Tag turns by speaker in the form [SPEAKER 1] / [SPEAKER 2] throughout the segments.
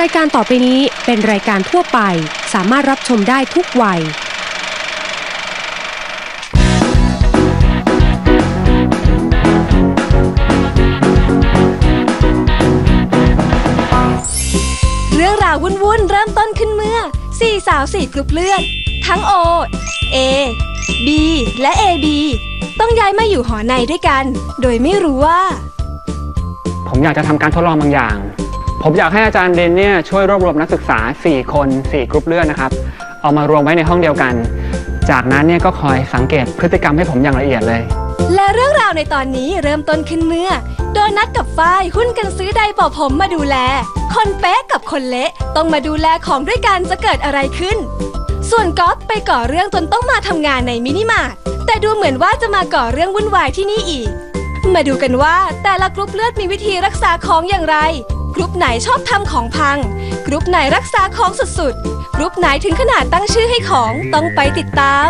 [SPEAKER 1] ายการต่อไปนี้เป็นรายการทั่วไปสามารถรับชมได้ทุกวัย
[SPEAKER 2] เรื่องราววุ่นๆเริ่มต้นขึ้นเมื่อ4 สาว 4 กลุ่มเลือดทั้ง O A B และ AB ต้องย้ายมาอยู่หอในด้วยกันโดยไม่รู้ว่า
[SPEAKER 3] ผมอยากจะทำการทดลองบางอย่างผมอยากให้อาจารย์เดนเนี่ยช่วยรวบรวมนักศึกษา4 คน 4 กลุ่มเลือดนะครับเอามารวมไว้ในห้องเดียวกันจากนั้นเนี่ยก็คอยสังเกตพฤติกรรมให้ผมอย่างละเอียดเลย
[SPEAKER 2] และเรื่องราวในตอนนี้เริ่มต้นขึ้นเมื่อโดนัทกับฝ้ายหุ้นกันซื้อไดร์เป่าผมมาดูแลคนเป๊ะกับคนเละต้องมาดูแลของด้วยกันจะเกิดอะไรขึ้นส่วนก๊อฟไปก่อเรื่องจนต้องมาทำงานในมินิมาร์ทแต่ดูเหมือนว่าจะมาก่อเรื่องวุ่นวายที่นี่อีกมาดูกันว่าแต่ละกรุ๊ปเลือดมีวิธีรักษาของอย่างไรกรุ๊ปไหนชอบทำของพังกรุ๊ปไหนรักษาของสุดๆกรุ๊ปไหนถึงขนาดตั้งชื่อให้ของต้องไปติดตาม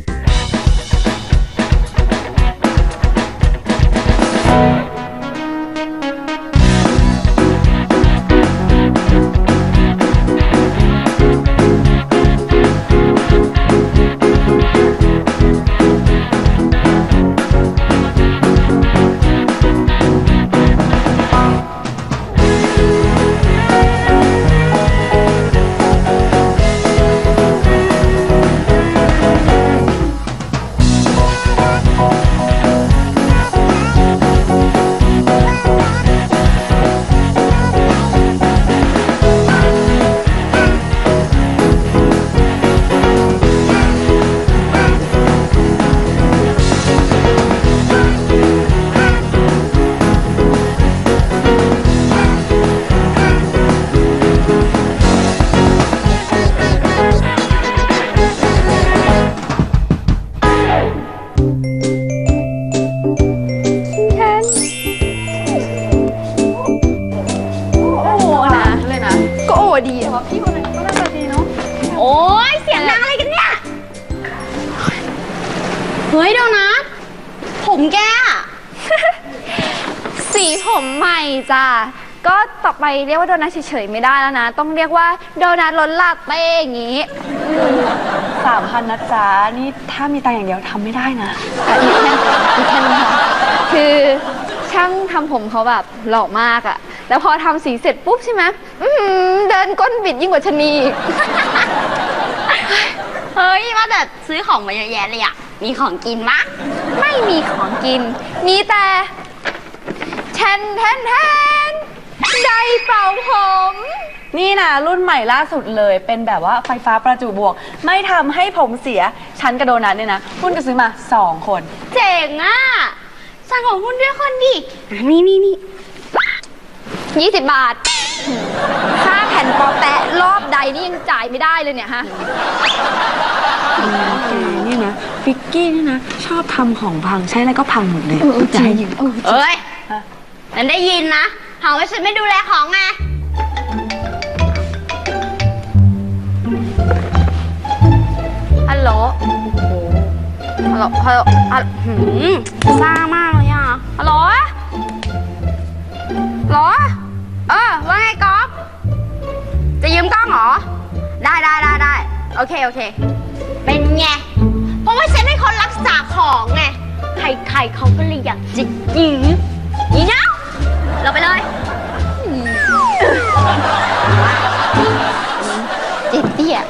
[SPEAKER 4] เฮ้ยโดนัทผมแก สีผมใหม่จ้ะก็ต่อไปเรียกว่าโดนัทเฉยๆไม่ได้แล้วนะต้องเรียกว่าโดนัทล้นลาเต้อย่างงี้
[SPEAKER 5] 3,000นะจ๊ะนี่ถ้ามีตังค์อย่างเดียวทำไม่ได้นะ
[SPEAKER 4] อีกแค่นี้ค่ะคือช่างทำผมเขาแบบหล่อมากอะแล้วพอทำสีเสร็จปุ๊บใช่ไหมเดินก้นบิดยิ่งกว่าชะนี
[SPEAKER 6] เฮ้ยว่าแต่ซื้อของมาเยอะแยะเลยอะมีของกินมะ
[SPEAKER 4] ไม่มีของกินมีแต่แทนไดร์เป่าผม
[SPEAKER 5] นี่นะรุ่นใหม่ล่าสุดเลยเป็นแบบว่าไฟฟ้าประจุบวกไม่ทำให้ผมเสียฉันกับโดนัทเนี่ยนะหุ้นก็ซื้อมา2 คน
[SPEAKER 6] เจ๋งอะสั่งของหุ้นด้วยคนดิ
[SPEAKER 4] นี่20 บาทค่าแผ่นปอแปะรอบใดนี่ยังจ่ายไม่ได้เลยเนี่ยฮะ
[SPEAKER 5] แกนี่นะฟิกกี้นี่นะชอบทำของพังใช้อะไรก็พังหมดเลย
[SPEAKER 4] จริง
[SPEAKER 6] เอ้ยฉันได้ยินนะหาว่าฉันไม่ดูแลของไง
[SPEAKER 4] ฮัลโหลซ่ามากเลยอ่ะฮัลโหลว่าไงก๊อฟจะยืมกล้องเหรอได้โอเค
[SPEAKER 6] เป็นไงเพราะว่าฉันเป็นคนรักษาของไงใครเขาก็เลยอยากจะยืมนี่นะเราไปเลย
[SPEAKER 4] เจ๊เตี้ย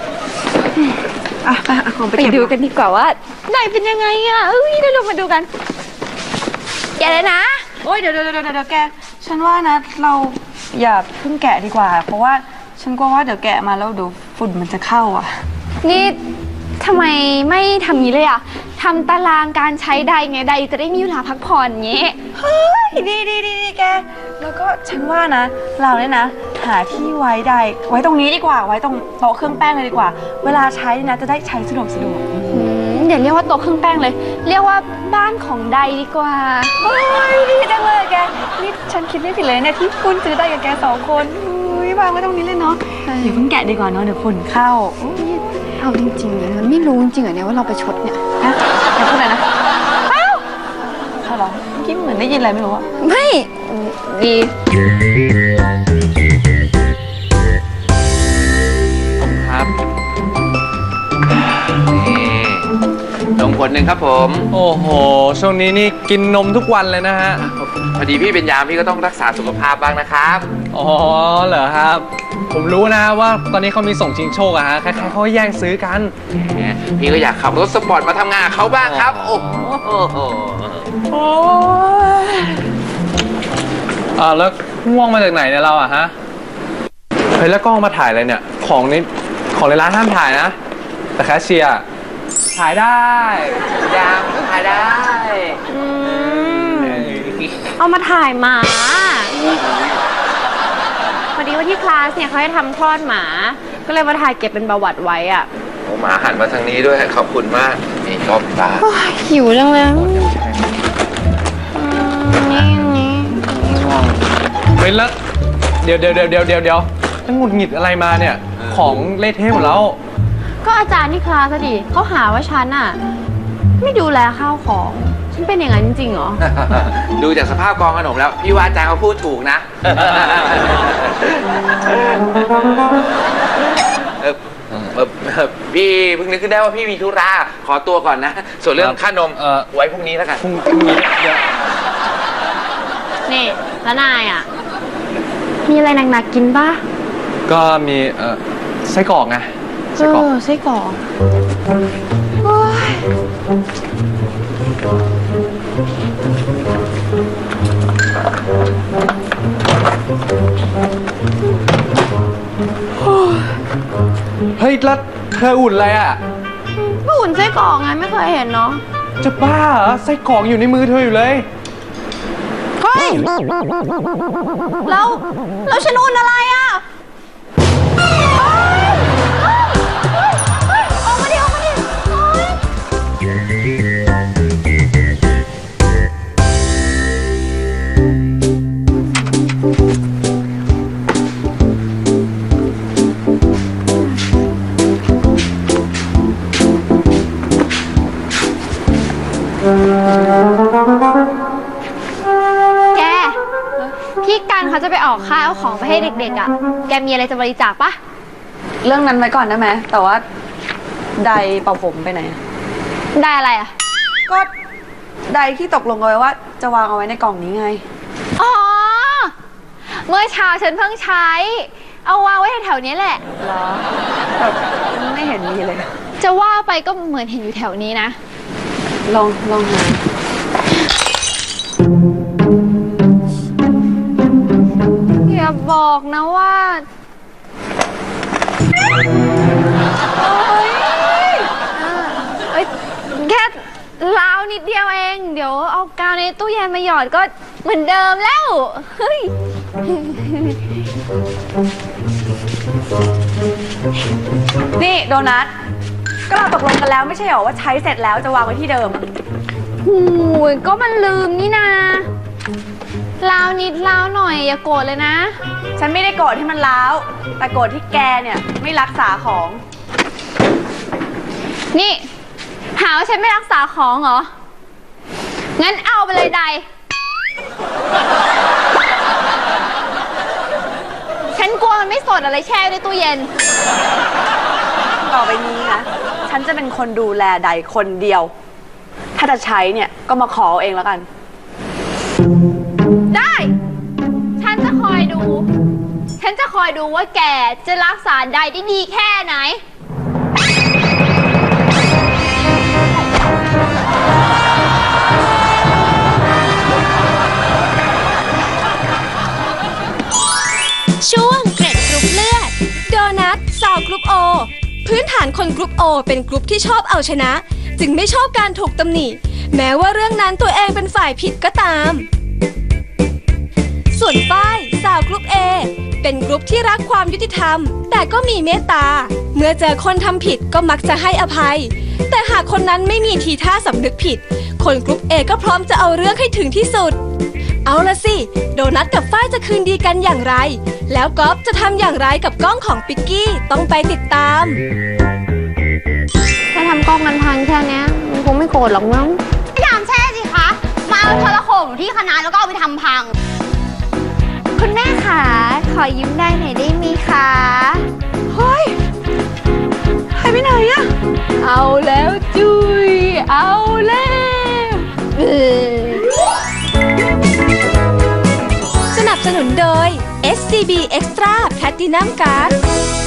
[SPEAKER 5] ไป
[SPEAKER 4] ดูกันดีกว่าว่าไหนเป็นยังไงอ่ะเดี๋ยวเรามาดูกันแกเลยนะ
[SPEAKER 5] โอ้ยเดี๋ยวแกฉันว่านะเราอย่าเพิ่งแกะดีกว่าเพราะว่าฉันกลัวว่าเดี๋ยวแกะมาแล้วเดี๋ยวฝุ่นมันจะเข้าอ่ะ
[SPEAKER 4] นี่ทำไมไม่ทำงี้เลยอ่ะทำตารางการใช้ไดร์ไงไดร์จะได้มีเวลาพักผ่อนอย่างงี้
[SPEAKER 5] เฮ้ยดีแกแล้วก็ฉันว่านะเราเนี่ยนะหาที่ไว้ไดร์ไว้ตรงนี้ดีกว่าไว้ตรงโต๊ะเครื่องแป้งเลยดีกว่าเวลาใช้นะจะได้ใช้สะดวก
[SPEAKER 4] อย่าเรียกว่าโต๊ะเครื่องแป้งเลยเรียกว่าบ้านของไดร์ดีกว่า
[SPEAKER 5] เฮ้ยดีจังเลยแกนี่ฉันคิดไม่ผิดเลยเนี่ยที่คุณซื้อไดร์กับแก2 คนวางไว้ตรงนี้เลยเนาะอย่าเพิ่งแกะดีกว่าเนาะเดี๋ยวฝุ่นเข้า
[SPEAKER 4] เอาจริงๆเลยมันไม่รู้จริงๆเหรอเนี่ยว่าเราไปชดเนี่ย
[SPEAKER 5] ฮะอย่าพูดเลยนะเหรอเมื่อกี้เหมือนได้ยินอะไรไม่รู้อะ
[SPEAKER 4] ไม่ดี
[SPEAKER 7] ขวดหนึ่งครับผม
[SPEAKER 8] โอ้โห ช่วงนี้นี่กินนมทุกวันเลยนะฮะ
[SPEAKER 7] พอดีพี่เป็นยามพี่ก็ต้องรักษาสุขภาพบ้างนะครับ
[SPEAKER 8] อ๋อเหรอครับ ผมรู้นะว่าตอนนี้เขามีส่งชิงโชคอะฮะ ใครๆเขาแย่งซื้อกัน
[SPEAKER 7] แหมพี่ก็อยากขับรถสปอร์ตมาทำงานกับเขาบ้างครับ โอ้โห
[SPEAKER 8] แล้วง่วงมาจากไหนเนี่ยเราอะฮะ เฮ้ยแล้วกล้องมาถ่ายอะไรเนี่ย ของในร้านห้ามถ่ายนะ แต่แคชเชียร์ถ่ายได้
[SPEAKER 7] ยามถ่ายได้
[SPEAKER 6] เอามาถ่ายหมา พอดีว่าที่คลาสเนี่ยเขาให้ทำคลอดหมา ก็เลยมาถ่ายเก็บเป็นประวัติไว้อะ
[SPEAKER 7] โอ้หมาหันมาทางนี้ด้วยขอบคุณมาก นี่ก็ปลา
[SPEAKER 6] หิวจังเลยนี่
[SPEAKER 8] เฮ้ยแล้วเดี๋ยวตั้งหงุดหงิดอะไรมาเนี่ย ของเละเทะหมดแล้ว
[SPEAKER 6] ก็อาจารย์ที่คลาสอะดิเขาหาว่าฉันอะไม่ดูแลข้าวของ ฉันเป็นอย่างนั้นจริงๆเหรอ
[SPEAKER 7] ดูจากสภาพกองขนมแล้ว พี่ว่าอาจารย์เขาพูดถูกนะพี่เพิ่งนึกขึ้นได้ว่าพี่มีธุระขอตัวก่อนนะ ส่วนเรื่องค่านมไว้พรุ่งนี้แล้วกัน
[SPEAKER 8] พรุ่งนี้เดี๋ยว
[SPEAKER 6] นี่แล้วนายอะมีอะไรหนักๆกินป่ะ
[SPEAKER 8] ก็มีไส้กรอกไงไส้กรอก
[SPEAKER 6] ไส้กรอกโอ้ย
[SPEAKER 8] เฮ้ยแล้วเธออุ่นอะไรอ่ะ
[SPEAKER 6] ก็อุ่นไส้กรอกไงไม่เคยเห็นเนาะ
[SPEAKER 8] จะบ้าเหรอไส้กรอกอยู่ในมือเธออยู่เลย
[SPEAKER 6] เฮ้ยแล้วฉันอุ่นอะไรอ่ะออกมาดิโอ๊ยแก พี่กันเขาจะไปออกค่ายเอาของไปให้เด็กๆอ่ะ แกมีอะไรจะบริจาคปะ
[SPEAKER 5] เรื่องนั้นไว้ก่อนได้ไหมแต่ว่าไดร์เป่าผมไปไหนอะ
[SPEAKER 6] ได้อะไรอ่ะ
[SPEAKER 5] ก็ไดร์ที่ตกลงกันไว้ว่าจะวางเอาไว้ในกล่องนี้ไง
[SPEAKER 6] อ๋อ เมื่อเช้าฉันเพิ่งใช้ เอาวางไว้แถวๆนี้แหละ
[SPEAKER 5] เหรอแต่ไม่เห็นมีเลย
[SPEAKER 6] จะว่าไปก็เหมือนเห็นอยู่แถวนี้นะ
[SPEAKER 5] ลองหา
[SPEAKER 6] อย่าบอกนะว่าแค่ลาวนิดเดียวเอง เดี๋ยวเอากาวในตู้เย็นมาหยอดก็เหมือนเดิมแล้ว เฮ้ย
[SPEAKER 5] นี่โดนัท ก็เราตกลงกันแล้วไม่ใช่เหรอว่าใช้เสร็จแล้วจะวางไว้ที่เดิม
[SPEAKER 6] หูยก็มันลืมนี่นาลาวนิดลาวหน่อยอย่าโกรธเลยนะ
[SPEAKER 5] ฉันไม่ได้โกรธที่มันร้าว แต่โกรธที่แกเนี่ยไม่รักษาของ
[SPEAKER 6] นี่ หาว่าฉันไม่รักษาของเหรอ งั้นเอาไปเลยใด ฉันกลัวมันไม่สดอะไรแช่ไว้ในตู้เย็น
[SPEAKER 5] ต่อไปนี้นะ ฉันจะเป็นคนดูแลไดร์คนเดียว ถ้าจะใช้เนี่ยก็มาขอเอาเองแล้วกัน
[SPEAKER 6] ได้ ฉันจะคอยดู ฉันจะคอยดูว่าแกจะรักษาใดได้ดีแค่ไหน
[SPEAKER 2] ช่วงเกร็ดกรุ๊ปเลือด โดนัทสาวกรุ๊ปโอ พื้นฐานคนกรุ๊ปโอเป็นกรุ๊ปที่ชอบเอาชนะ จึงไม่ชอบการถูกตำหนิ แม้ว่าเรื่องนั้นตัวเองเป็นฝ่ายผิดก็ตาม ส่วนฝ้ายสาวกรุ๊ป A เป็นกรุ๊ปที่รักความยุติธรรม แต่ก็มีเมตตา เมื่อเจอคนทำผิดก็มักจะให้อภัย แต่หากคนนั้นไม่มีทีท่าสำนึกผิด คนกรุ๊ป A ก็พร้อมจะเอาเรื่องให้ถึงที่สุด เอาละสิ โดนัทกับฝ้ายจะคืนดีกันอย่างไร แล้วก๊อฟจะทำอย่างไรกับกล้องของปิกกี้ต้องไปติดตาม
[SPEAKER 6] ถ้าทำกล้องมันพังแค่เนี้ยมันคงไม่โกรธหรอกมั้ง
[SPEAKER 9] พยายามแช่สิคะ มาเอาโทรโขงที่คณะแล้วก็เอาไปทำพัง
[SPEAKER 6] คุณแม่คะขอยิ้มได้หน่อยได้ไหมคะ
[SPEAKER 5] เฮ้ยหายไปไหนอะ
[SPEAKER 6] เอาแล้วจุย
[SPEAKER 4] เอาแล้ว
[SPEAKER 2] สนับสนุนโดย SCB Extra Platinum Card